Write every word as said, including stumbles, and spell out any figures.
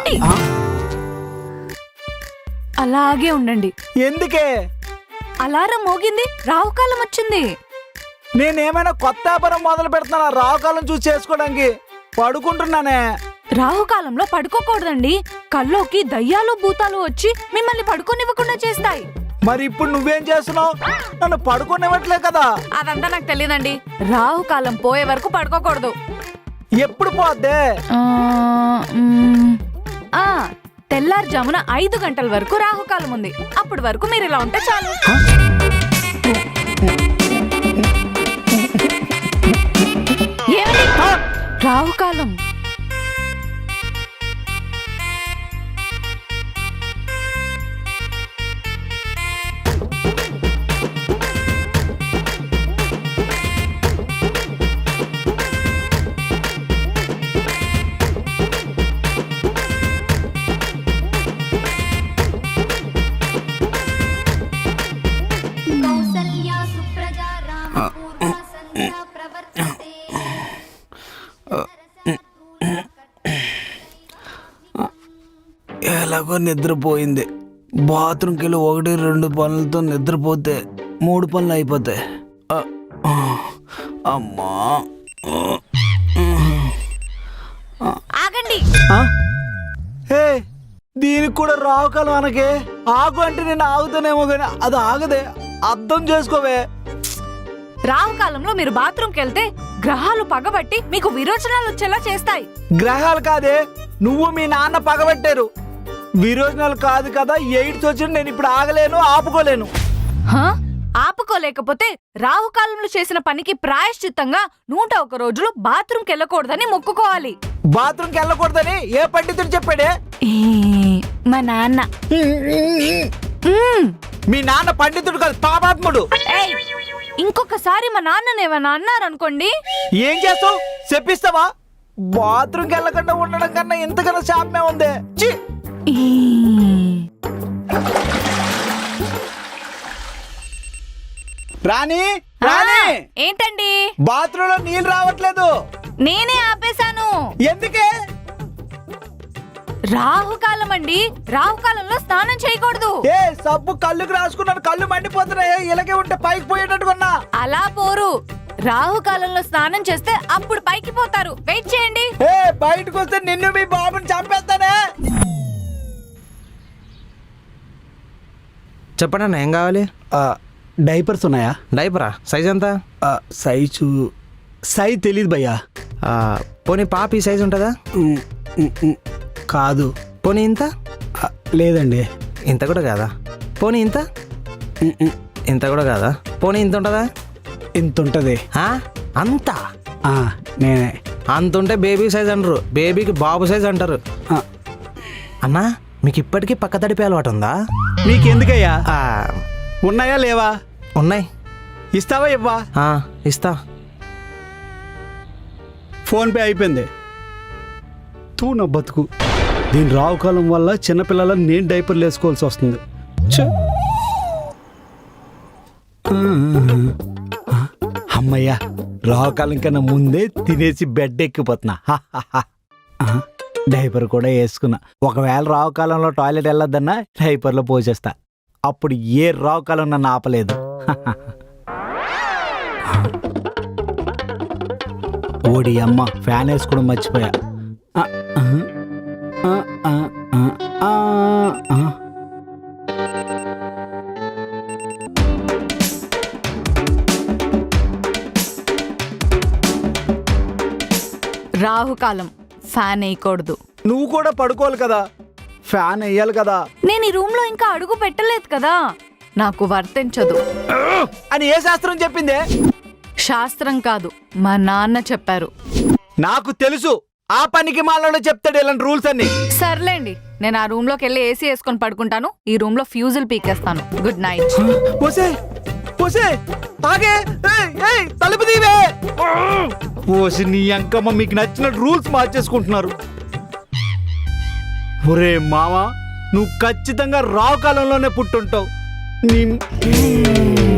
ఆగండి, అలాగే ఉండండి. ఎందుకే? అలారం మోగింది, రాహుకాలం వచ్చింది. నేనేమైనా కొత్త వ్యాపారం మొదలు పెడుతున్నా రావుకాలం చూసి చేసుకోవడానికి? పడుకుంటున్నానే. రాహుకాలంలో పడుకోకూడదండి. కల్లోకి దయ్యాలు భూతాలు వచ్చి మిమ్మల్ని పడుకోనివ్వకుండా చేస్తాయి. మరి ఇప్పుడు నువ్వేం చేస్తున్నావు? నన్ను పడుకోనివ్వట్లే కదా. అదంతా నాకు తెలియదండి. రాహుకాలం పోయే వరకు పడుకోకూడదు. ఎప్పుడు పోద్దే? తెల్లారుజామున ఐదు గంటల వరకు రాహుకాలం ఉంది. అప్పటి వరకు మీరు ఇలా ఉంటే చాలు. ఏమండి? రాహుకాలం ఎలాగో నిద్రపోయింది. బాత్రూమ్కి వెళ్ళి ఒకటి రెండు పనులతో నిద్రపోతే మూడు పనులు అయిపోతాయి. అమ్మా, ఆగండి. హే, దీనికి కూడా రావుకాలం అనకే. ఆగు అంటే నేను ఆగుతానేమో కానీ అది ఆగదే. అర్థం చేసుకోవే. రాహుకాలంలో మీరు బాత్రూమ్కి వెళ్తే గ్రహాలు పగబట్టి మీకు విరోచనాలు వచ్చేలా చేస్తాయి. గ్రహాలు కాదే, నువ్వు మీ నాన్న పగబట్టారు. విరోచనాలు కాదు కదా. ఎయిడ్స్ వచ్చిన నేను ఇప్పుడు ఆగలేను, ఆపుకోలేను. ఆపుకోలేకపోతే రాహుకాలంలో చేసిన పనికి ప్రాయశ్చిత్తంగా నూట ఒక రోజులు బాత్రూమ్కి వెళ్ళకూడదని మొక్కుకోవాలి. బాత్రూమ్కి వెళ్ళకూడదని ఏ పండితుడు చెప్పాడే? మా నాన్న. మీ నాన్న పండితుడు కాదు, పాపాత్ముడు. ఇంకొకసారి మా నాన్ననేమన్నా అన్నారనుకోండి, ఏం చేస్తావు? చెప్పిస్తావా? బాత్రూమ్కి వెళ్ళకుండా ఉండడం కన్నా ఇంతకన్నా శాపమే ఉంది. రాణి, రాణి, ఏంటండి? బాత్రూమ్ లో నీళ్ళు రావట్లేదు. నేనే ఆపేశాను. ఎందుకే? రాహుకాలం అండి. రాహుకాలంలో స్నానం చేయకూడదు. ఏ సబ్బు కళ్ళుకి రాసుకున్నాను, కళ్ళు మండిపోతున్నాయి. ఇలాగే ఉంటే పైకి పోయేటట్టుకున్నా. అలా పోరు. రాహుకాలంలో స్నానం చేస్తే అప్పుడు పైకి పోతారు. వెయిట్ చేయండి. ఏ బయటకు వస్తే నిన్ను మీ బాబుని చంపేస్తానే. చెప్పండి అన్న, ఏం కావాలి? డైపర్స్ ఉన్నాయా? డైపరా? సైజ్ ఎంత? సైజు సైజ్ తెలీదు భయ్యా. పోనీ పాపి సైజ్ ఉంటుందా? కాదు. పోనీ ఇంత? లేదండి. ఇంత కూడా కాదా? పోనీ ఇంత? ఇంత కూడా కాదా? పోనీ ఇంత ఉంటుందా? ఇంత ఉంటుంది. అంత? నేనే. అంత ఉంటే బేబీ సైజ్ అంటారు, బేబీకి బాబు సైజ్ అంటారు. అన్నా, మీకు ఇప్పటికీ పక్క తడిపే అలవాటు ఉందా? నీకెందుకయ్యా? ఉన్నాయా లేవా? ఉన్నాయి. ఇస్తావా? ఇవ్వా? ఇస్తా. ఫోన్పే అయిపోయింది. తూ నా బతుకు. దీని రావుకాలం వల్ల చిన్నపిల్లలను నేను డైపర్లు వేసుకోవాల్సి వస్తుంది. అమ్మయ్యా, రావుకాలం కన్నా ముందే తినేసి బెడ్ ఎక్కిపోతున్నా. డైపర్ కూడా వేసుకున్నా. ఒకవేళ రావుకాలంలో టాయిలెట్ వెళ్ళొద్దన్నా డైపర్లో పోసేస్తా. అప్పుడు ఏ రావుకాలం నన్ను ఆపలేదు. ఓడి అమ్మ, ఫ్యాన్ వేసుకోవడం మర్చిపోయా. రాహుకాలం ఫ్యాన్ వేయకూడదు. నువ్వు కూడా పడుకోవాలి కదా, ఫ్యాన్ వేయాలి కదా. నేను ఈ రూమ్ లో ఇంకా అడుగు పెట్టలేదు కదా, నాకు వర్తించదు అని ఏ శాస్త్రం చెప్పిందే? శాస్త్రం కాదు, మా నాన్న చెప్పారు. నాకు తెలుసు, ఆ పనికి మాలలో చెప్తాడు ఇలాంటి రూల్స్ అన్ని. సర్లేండి, నేను ఆ రూమ్ లోకి వెళ్ళి ఏసీ వేసుకొని పడుకుంటాను. ఈ రూమ్ లో ఫ్యూజులు పీకేస్తాను. Good night. పోసే పోసే ఆగే, తలుపు దీవే. పోసి నీ అంకమ్మ మీకు నచ్చిన రూల్స్ మార్చేసుకుంటున్నారు. ఒరే మావా, నువ్వు ఖచ్చితంగా రావు కాలంలోనే పుట్టుంటావు. నీ